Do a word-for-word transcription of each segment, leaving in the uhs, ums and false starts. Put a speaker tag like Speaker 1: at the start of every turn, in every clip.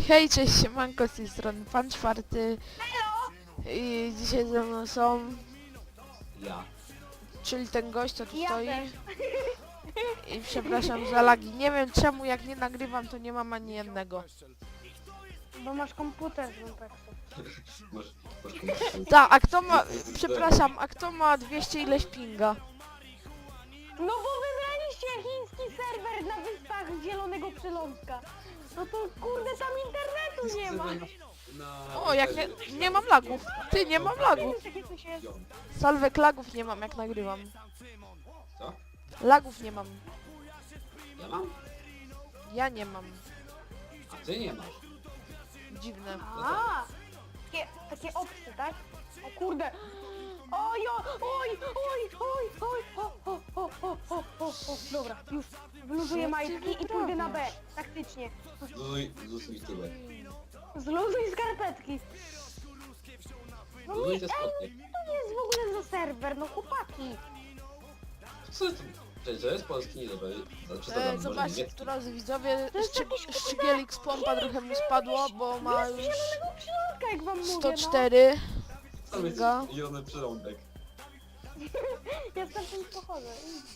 Speaker 1: Hej, cześć, siemanko, z tej strony Pan Czwarty. I dzisiaj ze mną są,
Speaker 2: Ja.
Speaker 1: czyli ten gość, co tu
Speaker 3: Ja
Speaker 1: stoi.
Speaker 3: też.
Speaker 1: I przepraszam za lagi. Nie wiem czemu, jak nie nagrywam, to nie mam ani jednego.
Speaker 3: Bo masz komputer z Lumpeksu.
Speaker 2: Masz, masz komputer.
Speaker 1: Tak, a kto ma, przepraszam, a kto ma dwieście ileś pinga?
Speaker 3: No bo wybraliście chiński serwer na wyspach Zielonego Przylądka. No to kurde tam internetu nie ma.
Speaker 2: Na...
Speaker 1: O, jak nie, nie mam lagów. Ty, nie mam lagów.
Speaker 3: Takie coś jest.
Speaker 1: Salwek lagów nie mam, jak nagrywam.
Speaker 2: Co?
Speaker 1: Lagów nie mam.
Speaker 2: Ja mam?
Speaker 1: Ja nie mam.
Speaker 2: A ty nie masz.
Speaker 1: Dziwne.
Speaker 3: A, takie, takie opcje, tak? O kurde. Oj, oj, oj, oj, oj, oj, o, o, o, o, o, o, o. Dobra, już wyluzuję
Speaker 1: Co ty
Speaker 3: majtki i pójdę na B,
Speaker 1: wyprawiasz?
Speaker 3: taktycznie.
Speaker 2: Zuzuj, zuzuj tyłek.
Speaker 3: Zluzuj skarpetki. No nie,
Speaker 2: Zuzuj
Speaker 3: ej,
Speaker 2: te
Speaker 3: co
Speaker 2: spodnie.
Speaker 3: to jest w ogóle za serwer, no chłopaki.
Speaker 2: Co to? Cześć, to jest polski, nie dobra. Znaczy co
Speaker 1: E,
Speaker 2: tam, może
Speaker 1: zobaczcie,
Speaker 2: niemiecki?
Speaker 1: drodzy widzowie,
Speaker 3: To jest
Speaker 1: szczy,
Speaker 3: jakiś, kurde,
Speaker 1: Szczygielix pompa trochę mu spadło, bo ma
Speaker 3: Jest
Speaker 1: już
Speaker 3: zielonego przylądka, jak wam mówię,
Speaker 1: sto
Speaker 3: no.
Speaker 1: cztery
Speaker 2: Tam jest
Speaker 1: pinga.
Speaker 2: zielony przyrąbek.
Speaker 3: Ja stamtąd pochodzę.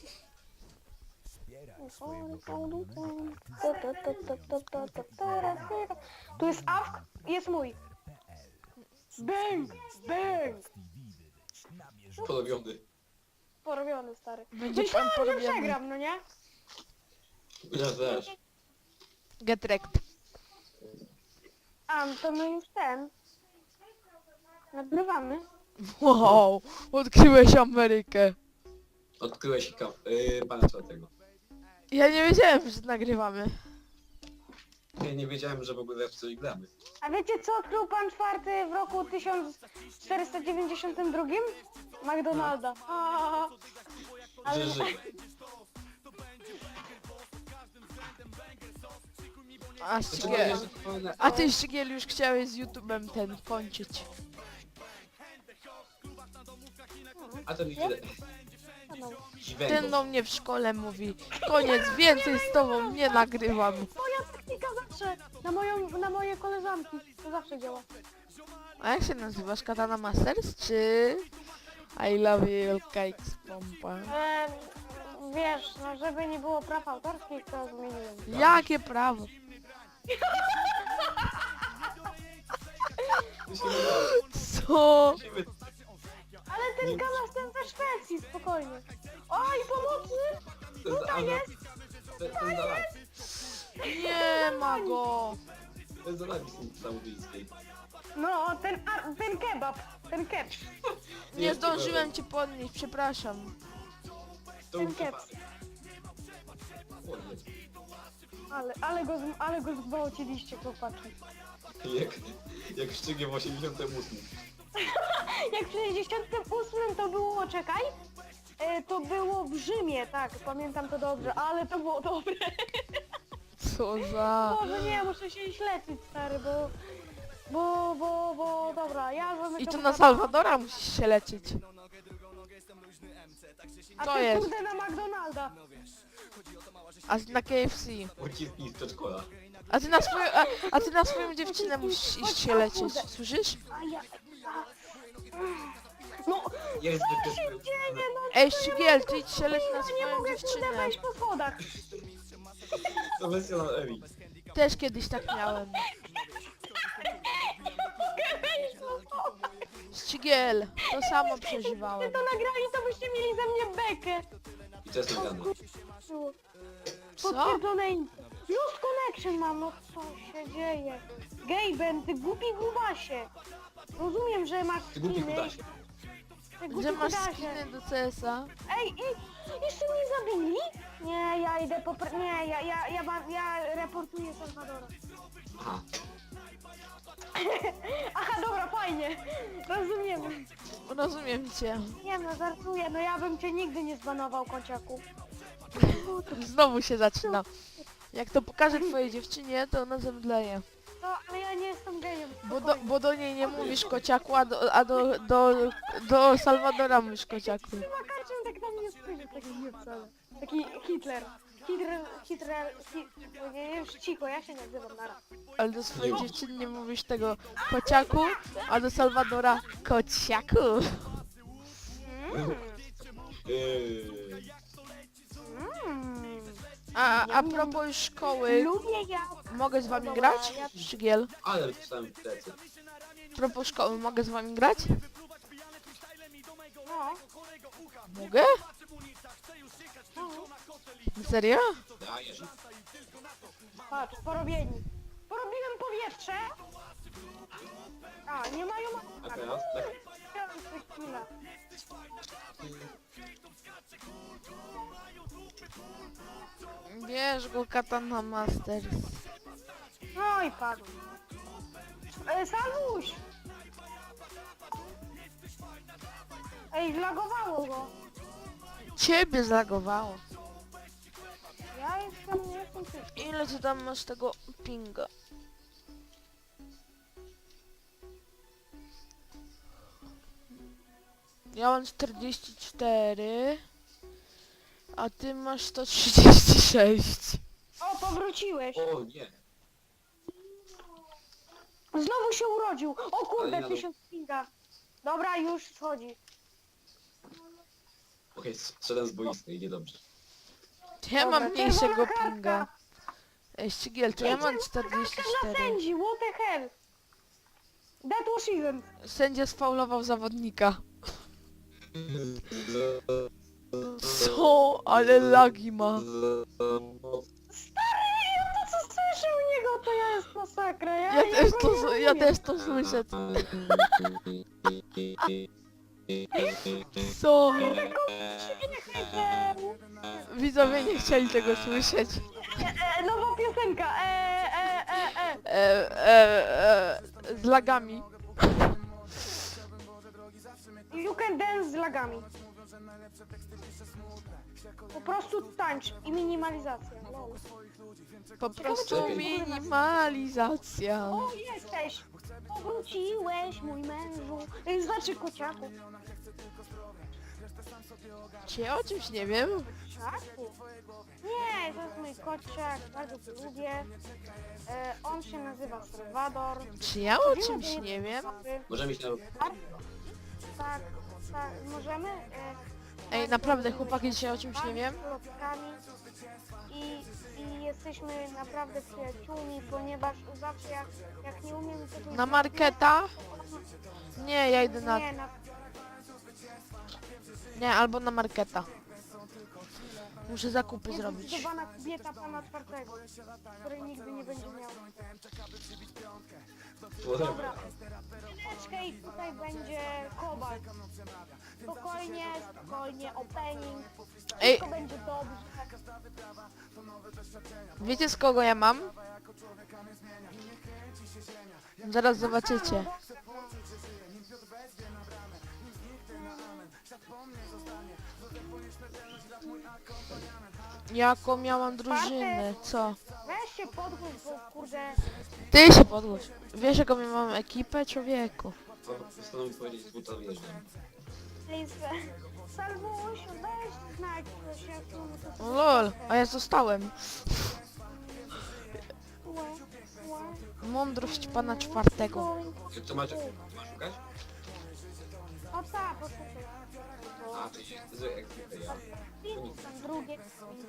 Speaker 3: Tu jest awk, jest mój. Bang! Bang!
Speaker 2: Porobiony.
Speaker 3: Porobiony, stary.
Speaker 1: Będzie pan
Speaker 3: Myślałem, że
Speaker 1: porobiony.
Speaker 3: przegram, no nie?
Speaker 2: Ja też.
Speaker 1: Get wrecked.
Speaker 3: A, no to my już ten. Nagrywamy.
Speaker 1: Wow, odkryłeś Amerykę.
Speaker 2: Odkryłeś ka... Yy, pana czwartego.
Speaker 1: Ja nie wiedziałem, że nagrywamy.
Speaker 2: Ja nie wiedziałem, że w ogóle w coś gramy.
Speaker 3: A wiecie co odkrył pan czwarty w roku tysiąc czterysta dziewięćdziesiątym drugim? McDonalda. A, ale
Speaker 2: Że żyje.
Speaker 1: A,
Speaker 2: Znaczy,
Speaker 1: Szczygiel,
Speaker 2: że to powinno-
Speaker 1: a ty Szczygiel już chciałeś z YouTube'em ten kończyć.
Speaker 2: A ten idzie...
Speaker 3: no.
Speaker 1: Ten
Speaker 2: Dziwego.
Speaker 1: do mnie w szkole mówi, koniec, więcej z tobą nie nagrywam.
Speaker 3: Moja taktyka zawsze, na moją, na moje koleżanki, to zawsze działa.
Speaker 1: A jak się nazywasz? Katana Masters czy I love you cakes pompa?
Speaker 3: E, wiesz, no żeby nie było praw autorskich, to zmieniłem.
Speaker 1: Jakie prawo?
Speaker 2: Musimy...
Speaker 1: Co?
Speaker 2: Musimy...
Speaker 3: Ale ten kanał ten ze Szwecji, spokojnie. Oj, pomocy!
Speaker 2: To jest
Speaker 3: Tutaj
Speaker 2: Anna...
Speaker 3: jest!
Speaker 2: To jest Anna...
Speaker 1: Nie ma go.
Speaker 2: To jest Anna Saudyjskiej.
Speaker 3: No, ten, a, ten kebab, ten keb.
Speaker 1: Nie zdążyłem cię podnieść, przepraszam.
Speaker 2: To
Speaker 3: Ten kep.
Speaker 2: Ładnie.
Speaker 3: Ale, ale go, z- ale go zgwałciliście, chłopaki.
Speaker 2: Jak, jak szczygiem w osiemdziesiątym ósmym.
Speaker 3: Jak w sześćdziesiątym ósmym to było, czekaj, e, to było w Rzymie, tak, pamiętam to dobrze, ale to było dobre.
Speaker 1: Co za...
Speaker 3: Może nie, muszę się iść leczyć, stary, bo... Bo, bo, bo, dobra, ja zamykam...
Speaker 1: I to na Salwadora musisz się leczyć.
Speaker 3: A
Speaker 1: to
Speaker 3: ty
Speaker 1: jest.
Speaker 3: kurde na McDonalda.
Speaker 1: A na K F C.
Speaker 2: Uciski z przedszkola.
Speaker 1: A ty na swoją, a, a ty na swoją dziewczynę musisz iść się leczyć. Słyszysz?
Speaker 3: A ja... a- No,
Speaker 2: Jest
Speaker 3: co się dzieje, no?
Speaker 1: Ej, Szczygiel, ty idź się lecz na
Speaker 3: Ja nie
Speaker 1: swoją
Speaker 3: mogę kurde
Speaker 1: dziewczynę.
Speaker 3: wejść po schodach.
Speaker 2: Profesjonal Emi.
Speaker 1: Też kiedyś tak miałem. Szczygiel, to samo
Speaker 3: Gdyby
Speaker 1: przeżywałem.
Speaker 3: to nagrali, to byście mieli ze mnie bekę.
Speaker 2: I to jest nagrane.
Speaker 1: Co?
Speaker 3: Potwierdzone in... Lost connection mam, no co się dzieje? Gaben, ty głupi gubasie. Rozumiem, że masz
Speaker 2: Ty głupi
Speaker 3: skiny.
Speaker 2: kutasie.
Speaker 3: Ty głupi
Speaker 1: Że masz
Speaker 3: kudasie.
Speaker 1: skiny do C S a?
Speaker 3: Ej, i jeszcze mnie zabili? Nie, ja idę po... Pre... Nie, ja, ja, ja, ja, ja reportuję Salwadora.
Speaker 2: Aha.
Speaker 3: Aha, dobra, fajnie. Rozumiem.
Speaker 1: Rozumiem cię.
Speaker 3: Nie no, żartuję, no ja bym cię nigdy nie zbanował, kociaku.
Speaker 1: Znowu się zaczyna. Jak to pokażę twojej dziewczynie, to ona zemdleje.
Speaker 3: No, ale ja nie jestem gejem.
Speaker 1: Bo do, bo do niej nie mówisz kociaku, a do, a do, do, do Salwadora mówisz kociaku.
Speaker 3: Chyba Kaczyn tak na mnie spojrzy, taki nie wcale. Taki Hitler. Hidrel, hidrel, hid... Nie, już cicho, ja się nazywam Nara.
Speaker 1: Ale do swojej dziewczyny nie mówisz tego kociaku, a do Salwadora kociaku.
Speaker 3: Mm.
Speaker 2: Eee,
Speaker 3: Mm.
Speaker 1: A, a propos już szkoły,
Speaker 3: Lubię ja.
Speaker 1: mogę z wami grać? Szczygiel.
Speaker 2: ale dostałem w plecy.
Speaker 1: A propos szkoły, mogę z wami grać?
Speaker 3: No.
Speaker 1: Mogę?
Speaker 3: No.
Speaker 1: Serio?
Speaker 2: Dajesz.
Speaker 3: Patrz, porobieni. Porobiłem powietrze. A, nie mają...
Speaker 2: A teraz? Tak.
Speaker 3: Chciałem coś chwilę.
Speaker 1: Bierz go Katana Masters.
Speaker 3: No i padł. E, Salwuś! Ej, zlagowało go.
Speaker 1: Ciebie zlagowało.
Speaker 3: Ja jestem, nie jestem czysty.
Speaker 1: Ile ty tam masz tego pinga? Ja mam czterdzieści cztery, a ty masz sto trzydzieści sześć.
Speaker 3: O, powróciłeś.
Speaker 2: O nie.
Speaker 3: Znowu się urodził. O kurde,
Speaker 2: Ale ja-
Speaker 3: tysiąc pinga. Dobra, już schodzi.
Speaker 2: Okej, strzelam z boiska, idzie dobrze.
Speaker 1: Ja
Speaker 3: Dobra,
Speaker 1: mam mniejszego
Speaker 3: czerwona kartka.
Speaker 1: pinga. Ej, Ścigiel, to ja mam
Speaker 3: Kartka
Speaker 1: czterdzieści
Speaker 3: dla
Speaker 1: cztery.
Speaker 3: sędzi, what the hell. That was even.
Speaker 1: Sędzia sfaulował zawodnika. Co? Ale lagi ma.
Speaker 3: Stary, ja to co słyszę u niego, to ja jest masakra. Ja,
Speaker 1: Ja też
Speaker 3: go
Speaker 1: to,
Speaker 3: nie
Speaker 1: s- ja
Speaker 3: rozumiem.
Speaker 1: też to słyszę. Co?
Speaker 3: E,
Speaker 1: Widzowie nie chcieli tego słyszeć.
Speaker 3: e, nowa piosenka. E, e, e, e.
Speaker 1: E, e, e, z lagami.
Speaker 3: You can dance z lagami. Po prostu tańcz i minimalizacja. Lol.
Speaker 1: Po prostu
Speaker 2: Czekaj.
Speaker 1: minimalizacja.
Speaker 3: O, jesteś! Powróciłeś, mój mężu. Y, Znaczy kociaku.
Speaker 1: Czy ja o czymś nie wiem?
Speaker 3: Kociaku? Nie, to jest mój kociak, bardzo go lubię. E, on się nazywa Salwador.
Speaker 1: Czy ja o czymś nie wiem?
Speaker 2: Możemy iść na...
Speaker 3: Tak, tak, tak, możemy? E,
Speaker 1: Ej, naprawdę chłopaki, dzisiaj o czymś nie wiem?
Speaker 3: plotkami. I, I jesteśmy naprawdę przyjaciółmi, ponieważ zawsze jak, jak nie umiem czegoś...
Speaker 1: Na marketa? Nie, ja idę na...
Speaker 3: Nie, na...
Speaker 1: Nie, albo na marketa. Muszę zakupy
Speaker 3: Jest
Speaker 1: zrobić.
Speaker 3: zbudowana kobieta pana czwartego, której nigdy nie będzie miał. Dobra. Chwileczkę i tutaj będzie kobalt. Spokojnie, spokojnie, opening.
Speaker 1: Ej.
Speaker 3: Wszystko będzie dobrze.
Speaker 1: Wiecie z kogo ja mam? Zaraz zobaczycie. Jaką miałam drużynę, co?
Speaker 3: Weź się podgłos, bo kurde...
Speaker 1: Ty się podgłoś. Wiesz jaką ja mam ekipę, człowieku?
Speaker 2: Postanowił powiedzieć z buta wjeżdżam.
Speaker 3: Please, Salwuś, weź znajdź coś, jak tu...
Speaker 1: O lol, a ja zostałem.
Speaker 3: Łe, łe.
Speaker 1: Mądrość pana czwartego.
Speaker 2: Jak to macie? Masz szukać?
Speaker 3: O tak, poczekaj.
Speaker 2: A, to jest zły ekipy, ja.
Speaker 3: Film tam drugie.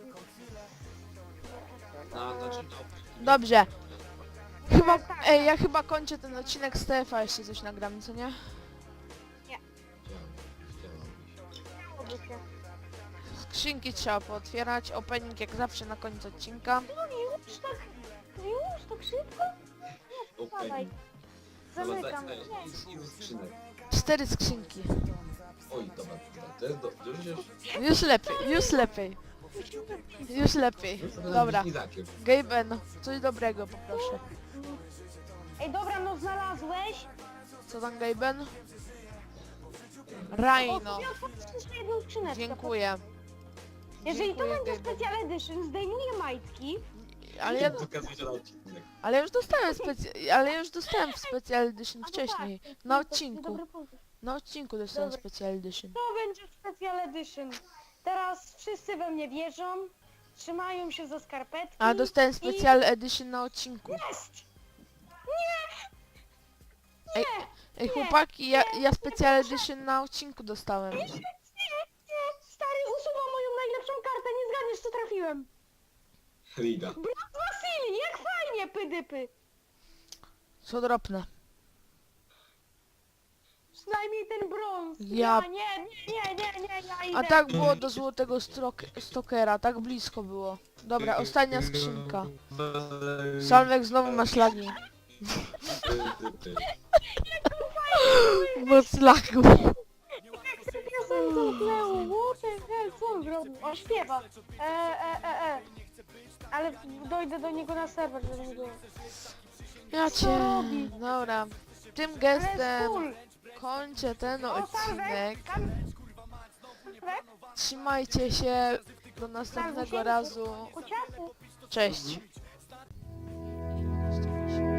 Speaker 2: Na, znaczy, no.
Speaker 1: Dobrze. Chyba, ej, ja chyba kończę ten odcinek z T F a, jeszcze coś nagram, co nie?
Speaker 2: Chciałem, chciałem.
Speaker 3: Chciałoby się.
Speaker 1: Skrzynki trzeba pootwierać, opening jak zawsze na koniec odcinka.
Speaker 3: No już tak, już tak szybko? Nie,
Speaker 2: Okej.
Speaker 3: dawaj.
Speaker 2: Dobra,
Speaker 3: Zamykam.
Speaker 2: daj, daj,
Speaker 3: Nie.
Speaker 2: idź- idź z skrzynek.
Speaker 1: Cztery skrzynki.
Speaker 2: Oj, dobra, to jest do... Już już...
Speaker 1: Już lepiej, już lepiej. Już lepiej. Dobra.
Speaker 2: Izakiem.
Speaker 1: Gaben, coś dobrego poproszę.
Speaker 3: Ej, dobra, no znalazłeś?
Speaker 1: Co tam Gaben?
Speaker 3: O,
Speaker 1: Rhino.
Speaker 3: ja otworzysz jeszcze jedną skrzyneczkę.
Speaker 1: Dziękuję.
Speaker 3: Jeżeli to
Speaker 1: Dziękuję,
Speaker 3: będzie
Speaker 1: Gaben.
Speaker 3: Special Edition, zdejmuję majtki.
Speaker 1: Ale ja,
Speaker 2: Pokazujcie na odcinek.
Speaker 1: ale ja już dostałem specy... ale ja już dostałem w Special Edition
Speaker 3: A no
Speaker 1: wcześniej.
Speaker 3: tak,
Speaker 1: Na
Speaker 3: to jest
Speaker 1: odcinku.
Speaker 3: dobry pomysł.
Speaker 1: Na odcinku dostałem
Speaker 3: Dobra.
Speaker 1: Special Edition.
Speaker 3: To będzie Special Edition. Teraz wszyscy we mnie wierzą. trzymają się za skarpetki.
Speaker 1: A dostałem specjal edition na odcinku.
Speaker 3: Jest!
Speaker 1: Ej, ej chłopaki, ja, ja specjal edition na odcinku dostałem.
Speaker 3: Nie, nie, stary, usuwam moją najlepszą kartę, nie zgadniesz co trafiłem.
Speaker 2: Riga.
Speaker 3: Brat Wasili, jak fajnie, pydypy.
Speaker 1: Co dropnę?
Speaker 3: Przynajmniej ten brąz.
Speaker 1: Ja-
Speaker 3: Ja nie, nie, nie, nie, nie, ja idę.
Speaker 1: A tak było do złotego strok- stokera, tak blisko było. Dobra, ostatnia skrzynka. Salwek, znowu masz lagi. Moc lagu.
Speaker 3: Jak sobie piosenkę uknęło, what the hell, co on zrobił? On śpiewa. E, e, e, e. Ale dojdę do niego na serwer, żeby nie było.
Speaker 1: Ja
Speaker 3: Co
Speaker 1: cię...
Speaker 3: robi?
Speaker 1: Dobra. Tym
Speaker 3: Ale
Speaker 1: gestem
Speaker 3: cool.
Speaker 1: kończę ten
Speaker 3: O,
Speaker 1: odcinek.
Speaker 3: Salwek, tam... Salwek,
Speaker 1: Trzymajcie się. Do następnego razu.
Speaker 3: Kuciasy.
Speaker 1: Cześć.